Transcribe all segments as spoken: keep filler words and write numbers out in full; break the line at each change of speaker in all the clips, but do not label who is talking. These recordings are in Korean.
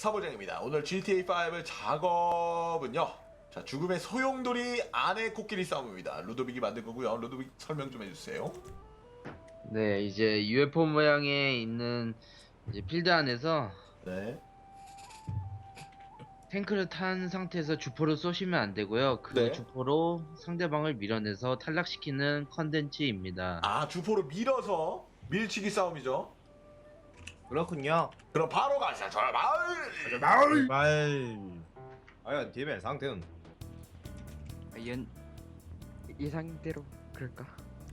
사보장입니다. 오늘 지티에이 파이브 작업은요. 자, 죽음의 소용돌이 안에 코끼리 싸움입니다. 루도빅이 만든 거고요. 루도빅 설명 좀 해주세요.
네, 이제 유에프오 모양의 있는 이제 필드 안에서
네.
탱크를 탄 상태에서 주포를 쏘시면 안 되고요. 그
네.
주포로 상대방을 밀어내서 탈락시키는 컨텐츠입니다.
아, 주포로 밀어서 밀치기 싸움이죠.
그렇군요.
그럼 바로 가자. 저 마을.
마을 말. 과연 팀의 상태는
연 예상대로 그럴까?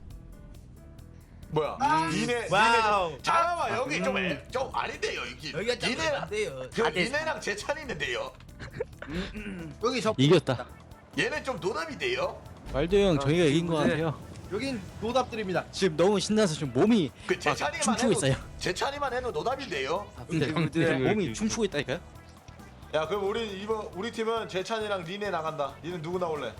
뭐야?
아,
니네,
와우.
니네 좀, 잠깐만
아,
여기
음.
좀, 애, 좀 아닌데요 여기.
여기가 좀
니네랑,
안돼요.
그,
다들
니네랑 제 찬이 있는데요.
여기 저
이겼다.
얘는 좀 노답인데요.
말도 형 저희가 이긴 것
네.
같아요.
여긴 노답들입니다.
지금 너무 신나서 지금 몸이
그 제
막
찬이만
춤추고
해도,
있어요.
제 찬이만 해도 노답인데요.
근데
근데
몸이 춤추고 있다니까요?
야, 그럼 우리 이번 우리 팀은 제 찬이랑 니네 나간다. 니는 누구 나올래?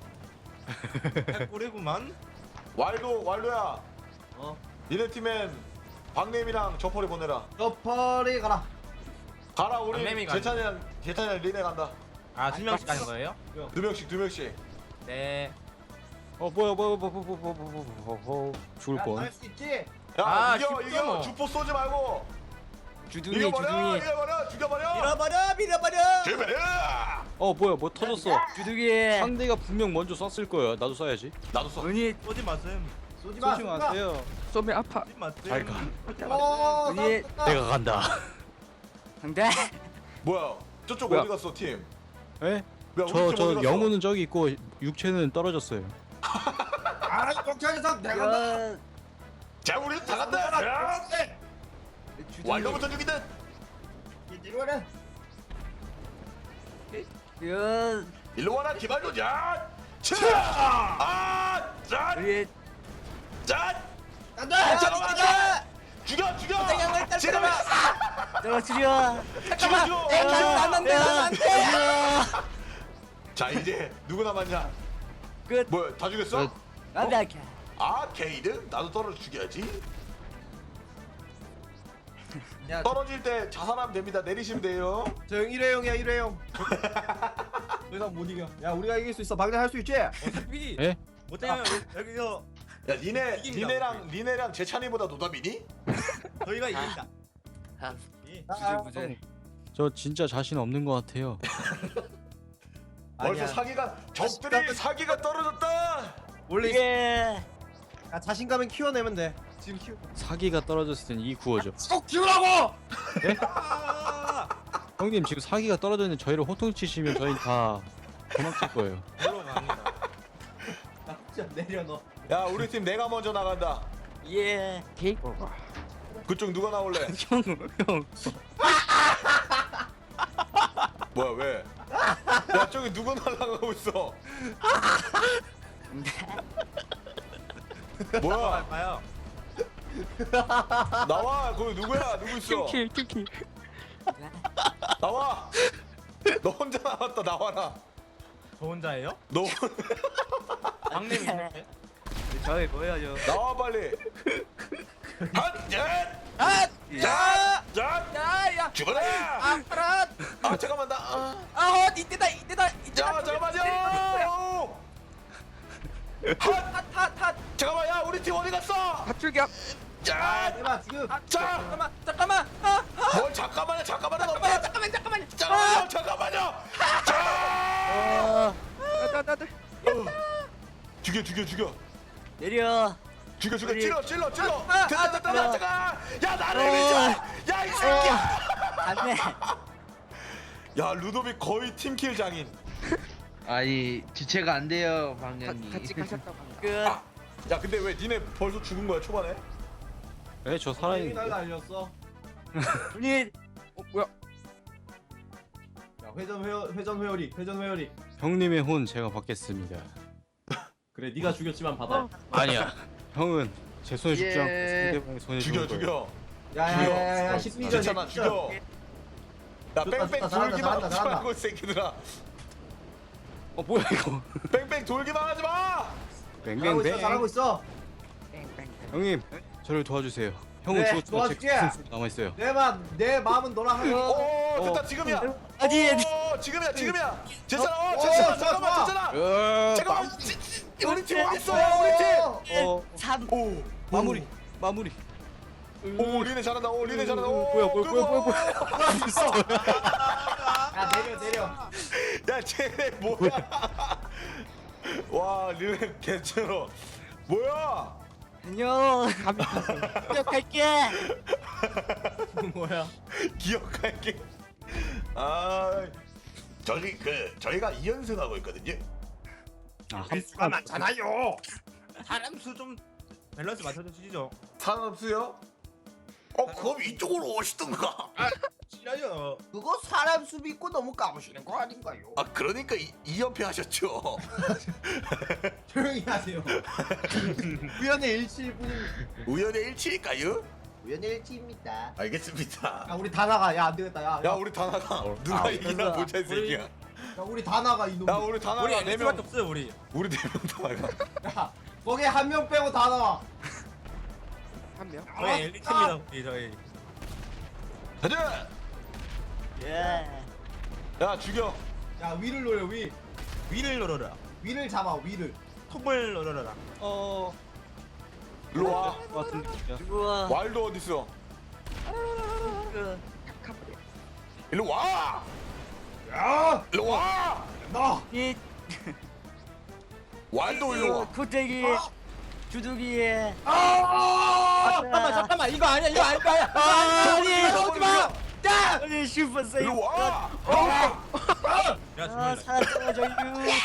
꼬리구만.
왈도, 왈도야.
어.
니네 팀엔 박냄이랑 저퍼리 보내라.
저 펄이 가라.
가라 우리
박냄이
제 찬이랑 제 찬이랑 니네 간다.
아, 두 명씩 가는 거예요?
두 명씩 두 명씩.
네.
어 뭐야 뭐야 뭐야 뭐야 뭐야 뭐야 뭐야 뭐야 죽을 뻔.
할수 있지.
야,
아,
이겨
쉽죠,
이겨
뭐.
주포 쏘지 말고.
주둥이
이겨버려
주둥이.
이겨버려 죽여버려.
밀어버려, 밀어버려.
죽여버려.
어 뭐야 뭐 터졌어.
주둥이
상대가 분명 먼저 쐈을 거야. 나도 쏴야지.
나도 쏘.
은희
쏘지 마셈. 쏘지 마.
쏘지 마세요.
쏘면 아파.
쏘지 마셈.
잘 가.
어,
은희
내가 간다.
상대
뭐야? 저쪽
뭐야?
어디 갔어 팀?
예?
뭐야, 우리 팀
저
어디
저
갔어?
영혼은 저기 있고 육체는 떨어졌어요.
아, kok차에서 내가 간다.
자, 우리 다 간다. 야, 왈도부터 죽이든.
이리 와라.
연
일로 와라 기발도. 자, 차. 아, 자,
우리
자.
간다.
잠깐만.
간다.
죽여 죽여.
잠깐만,
지금
내가 줄여.
죽여 죽여.
안돼, 안돼.
자, 이제 누구 남았냐?
끝.
뭐야, 다 죽였어?
끝.
안돼 아케.
아케이드? 나도 떨어져 죽여야지.
야,
떨어질 때 자살하면 됩니다. 내리시면 돼요.
저형 일회용이야, 일회용. 더 이상 못 이겨. 야, 우리가 이길 수 있어. 박대 할수 있지? 어차피
예?
못하면 여기서
야, 니네
이깁니다,
니네랑 니네랑 제찬이보다 노답이니?
저희가 이긴다.
아,
예.
부들부들.
저 진짜 자신 없는 것 같아요.
벌써
아니야.
사기가 적들이 사기가 떨어졌다.
원래
예.
아, 자신감은 키워내면 돼. 지금 키워.
사기가 떨어졌을 땐 이 구호죠.
꼭 키우라고.
형님 지금 사기가 떨어졌는데 저희를 호통치시면 저희 다 도망칠 거예요.
걸로 갑니다. 나 진짜 내려 너.
야, 우리 팀 내가 먼저 나간다.
예. 케이크.
그쪽 누가 나올래?
형 형.
뭐야, 왜? 야, 저기 누가 날아가고 있어? 뭐야?
봐요.
나와. 거기 누구야? 누구 있어?
킬킬 킬킬.
나와. 너 혼자 나왔다. 나와라.
저 혼자예요?
너
박님이 이렇게.
저희 보여줘.
나와 빨리. 한, 셋,
아!
자, 자,
야야.
죽어라.
아 파란.
아, 잠깐만 나. 아,
아 이때다 이때다
자, 잠깐만요. 한,
핫핫핫.
잠깐만. 야, 우리 팀 어디 갔어?
핫출격.
자,
대박 지금.
아,
자.
잠깐만 잠깐만. 아, 아.
뭘 잠깐만요. 잠깐만요. 너무
잠깐만 잠깐만 잠깐만.
잠깐만요. 잠깐만요. 자.
아. 나나나
죽여, 죽여, 죽여.
내려.
죽여, 죽여.
우리-
찔러, 찔러, 찔러.
아, 아,
됐다,
아,
됐다,
아.
됐다. 야, 나를
어.
밀지 마. 야, 이 새끼야.
안돼.
야, 루도빅 거의 팀킬 장인.
아니 주체가 안 돼요 방향이.
같이 가셨다고. 끝.
야, 근데 왜 니네 벌써 죽은 거야 초반에?
예, 저
사람이
살아있는.
날 날렸어.
분이. 어 뭐야?
야, 회전 회어 회전 회오리 회전 회오리.
형님의 혼 제가 받겠습니다.
그래, 네가 죽였지만 받아.
아니야. 형은 제 손에 죽지 않고
예.
상대방의 손에
죽여,
죽을 거예요.
죽여.
야야야야, 십미 전.
괜찮아, 죽여. 야,
좋다,
뺑뺑
좋다, 잘한다,
돌기만
잘한다,
하지
잘한다.
말고 이 새끼들아.
어 뭐야 이거?
뺑뺑 돌기만 하지 마.
잘하고 있어,
뱅뱅뱅.
잘하고 있어.
형님 저를 도와주세요. 형은
네,
죽었지만 제
도와줄게.
가슴 남아 있어요.
내 맘, 내 마음은 너랑 하고.
오, 오 됐다 지금이야.
어디, 어디.
오 지금이야 지금이야. 제찬아 어
오,
제찬아
좋아,
잠깐만
좋아.
제찬아.
으,
잠깐만 지- 지- 우리 팀 어디 있어요 우리 팀.
어,
삼.
오
마무리 마무리.
오 리네 잘한다. 오 리네 잘한다. 오
뭐야, 뭐야, 뭐야, 뭐야, 뭐야.
야 내려 내려.
야 쟤네 뭐야? 와 리네 개쩔어. 뭐야?
안녕. 기억할게.
뭐야?
기억할게. 아 저희 그 저희가 이 연승하고 있거든요.
아,
수가 많잖아요. 사람 수 좀 밸런스 맞춰서 주시죠.
산업수요? 어 그럼 이쪽으로 오시던가.
싫어요. 그거 사람 수 믿고 너무 까부시는 거 아닌가요?
아 그러니까 이, 이 연패 하셨죠.
조용히 하세요. 우연의 일치일 뿐입니다.
우연의 일치일까요?
우연의 일치입니다.
알겠습니다.
야 우리 다 나가. 야 안 되겠다. 야,
야 우리 다 나가. 누가
아,
이기나
됐어.
보자 이 새끼야.
야 우리 다 나가 이놈.
야 우리 다 나가.
우리
네
엘리트밖에
명.
없어요 우리.
우리 네 명 다 나가.
야 거기 한 명 빼고 다 나와.
한 명.
저희 엘리트입니다
우리 저희
가자.
예.
야 죽여.
야 위를 노려 위.
위를 노려라.
위를 잡아 위를.
톱을 노려라.
어,
일로 와.
같은 느낌이야.
우와.
와일드 어디 있어? 일로 와.
야
일로 와.
나.
이
와일드 일로 와.
코테기 주둥이.
아!
잠깐만 잠깐만 이거 아니야 이거 아니야. 아니야.
아니,
오지 마.
아니 슈퍼 세이브.
일로 와.
야
아
정말.
살았어 유.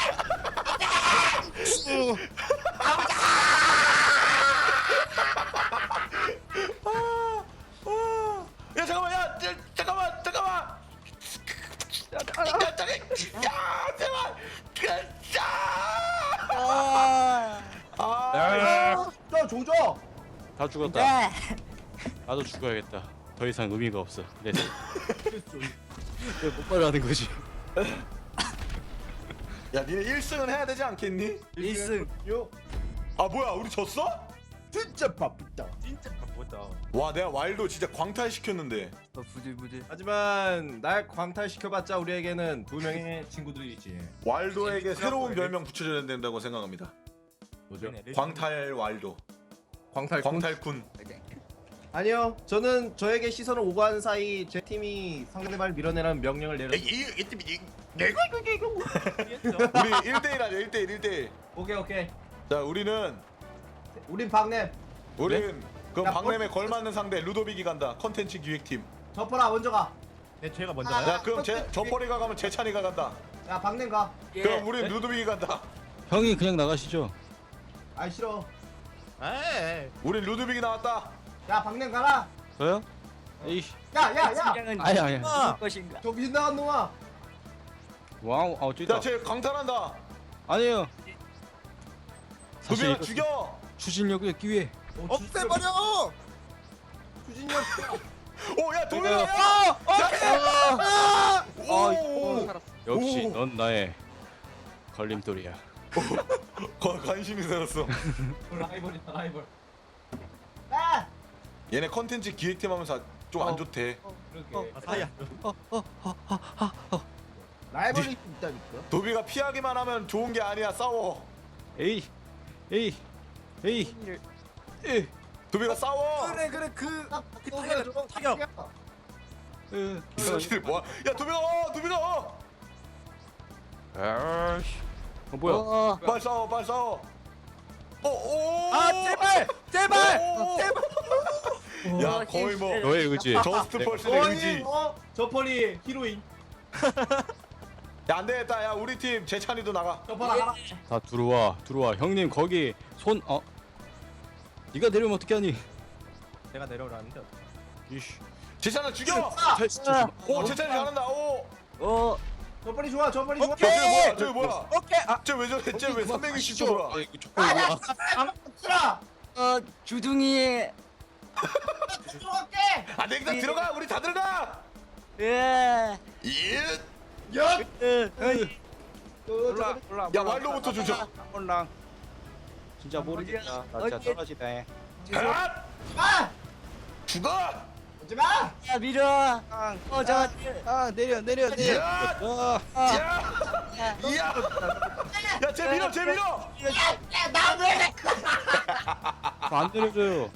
야 잠깐만 야 자, 잠깐만 잠깐만. 야 잠깐. 야 제발. 야.
아.
아.
저 조져.
다 죽었다.
네.
나도 죽어야겠다. 더 이상 의미가 없어. 네. 못 빨아가는 거지.
야 니네 일 승은 해야 되지 않겠니?
일승.
요.
아 뭐야 우리 졌어?
진짜 바쁘다.
진짜 바쁘다.
와 내가 와일드 진짜 광탈 시켰는데.
어 부들부들.
하지만 날 광탈시켜봤자 우리에게는 두 명의 친구들이 있지.
와일드에게 새로운 별명 붙여줘야 된다고 생각합니다.
뭐죠?
광탈 와일드.
광탈.
광탈군.
아니요. 저는 저에게 시선을 오가는 사이 제 팀이 상대방을 밀어내라는 명령을 내렸.
이이 팀이 내가 우리 일 대일 하자 일 대일 일 대일.
오케이 오케이.
자 우리는
우린 박냄.
우린 그
야,
박램에 걸맞는 상대 루도빅이 간다. 컨텐츠 기획팀.
저퍼라 먼저 가.
네 제가 먼저
아,
가요.
야 그럼 제 저퍼리가 가면 재찬이가 간다.
야 박냄 가.
예.
그럼 우리 루도빅이 간다.
형이 그냥 나가시죠.
아이 싫어.
에이.
우리 루도빅이 나왔다.
야 박냄 가라.
저요? 에이,
야야야.
팀장은
아니 아니.
누구 것인가?
정신 나간 놈아.
와우, 아 어쩌다.
야쟤 강탈한다.
아니에요. 사실
루비가
이거
죽여.
추진력의 기회.
없애버려.
추진력.
오야 도민아.
아,
오.
역시
오.
넌 나의 걸림돌이야.
거- 관심이 생겼어.
라이벌이다 라이벌. 아.
얘네 컨텐츠 기획팀 하면서 좀 안
어.
좋대.
그렇게.
아, 사야.
라이벌이 있다니까.
도비가 피하기만 하면 좋은 게 아니야. 싸워.
에이, 에이, 에이, 에이.
도비가 싸워.
그래 그래 그
그
타격, 타격.
으,
이 새끼들 뭐야? 야 도비가 어 도비가 어.
아이씨. 어 뭐야?
어.
빨리 싸워 빨리 싸워. 어 오.
아 제발 제발.
제발. 야
어,
거의 뭐
너의 의지.
저스트 펄슨의 의지.
어? 저퍼리 히로인.
야 안 되겠다. 야 우리 팀 재찬이도 나가.
저퍼라 가라.
다 들어와, 들어와. 형님 거기 손 어. 네가 내려면 어떻게 하니?
내가 내려오라는데.
이씨.
재찬아 죽여.
아!
오 재찬이 잘한다. 오.
어.
저퍼리 좋아 저퍼리 좋아.
저 저기 뭐야? 저기 뭐야?
오케이. 아
쟤왜 저래? 쟤왜 삼백육십 도 돌아?
아, 이거 족발 뭐야?
쓰라.
어 주둥이.
들어갈게.
안 되겠다. 들어가. 우리 다 들어가.
예.
예.
야.
어.
올라, 올라.
야 왈로부터 주자.
올라. 진짜 모르겠다. 나 진짜
어디-
떨어지다.
아!
아.
죽어.
하지 마.
야 밀어. 어 저.
아 내려 내려 내려.
야!
아,
야! 이야! 야, 쟤 밀어, 쟤 밀어!
안 내려줘요.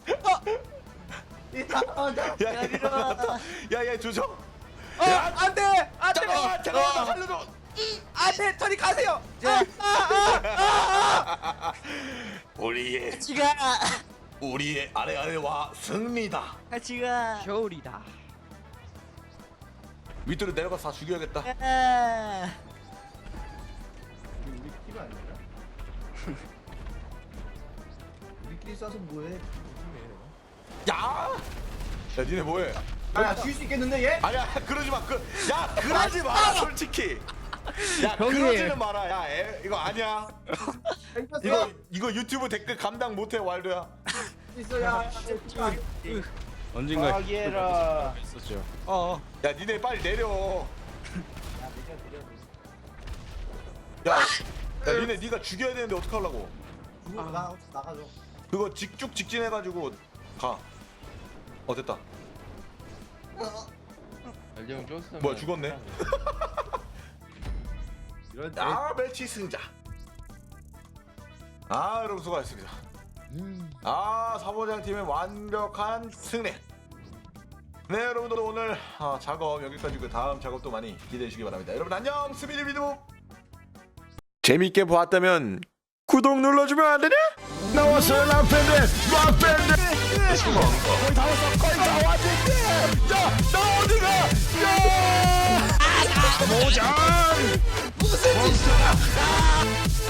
야, 야, 야, 야, 조정.
어, 안 돼! 안 돼!
잠깐만, 잠깐만, 나 살려줘.
안 돼! 저리 가세요!
우리의,
같이 가.
우리의 아래 아래와 승리다.
같이 가.
겨울이다.
밑으로 내려가서 다 죽여야겠다.
아.
우리 팀 아니야? 우리끼리 싸서 뭐해?
야! 야, 니네 뭐해?
야, 죽일 수 있겠는데 얘?
아니야, 그러지 마. 그, 야, 그러지 마, 솔직히. 야,
형님.
그러지는 마라. 야, 애, 이거 아니야. 이거 이거 유튜브 댓글 감당 못해, 왈도야.
있어 야.
언젠가
아기해라.
있었죠. 어.
야, 니네 빨리 내려. 야, 야, 니네 네가 죽여야 되는데 어떡 하려고?
나 나가줘.
그거 직쭉 직진해가지고 가. 어, 됐다.
알령 쫀스.
뭐야, 죽었네.
이런
아, 매치 승자. 아, 여러분 수고하셨습니다. 아, 사보장 팀의 완벽한 승리. 네, 여러분들 오늘 아, 작업 여기까지고 다음 작업도 많이 기대해 주시기 바랍니다. 여러분 안녕, 스미디 비디오. 재밌게 보았다면 구독 눌러주면 안 되냐? 나왔어요, 람팬드, 람팬드. 거의 다 왔어, 거의 다 왔는데. 야, 나 어디가? 야, 모장. 무슨 짓이야?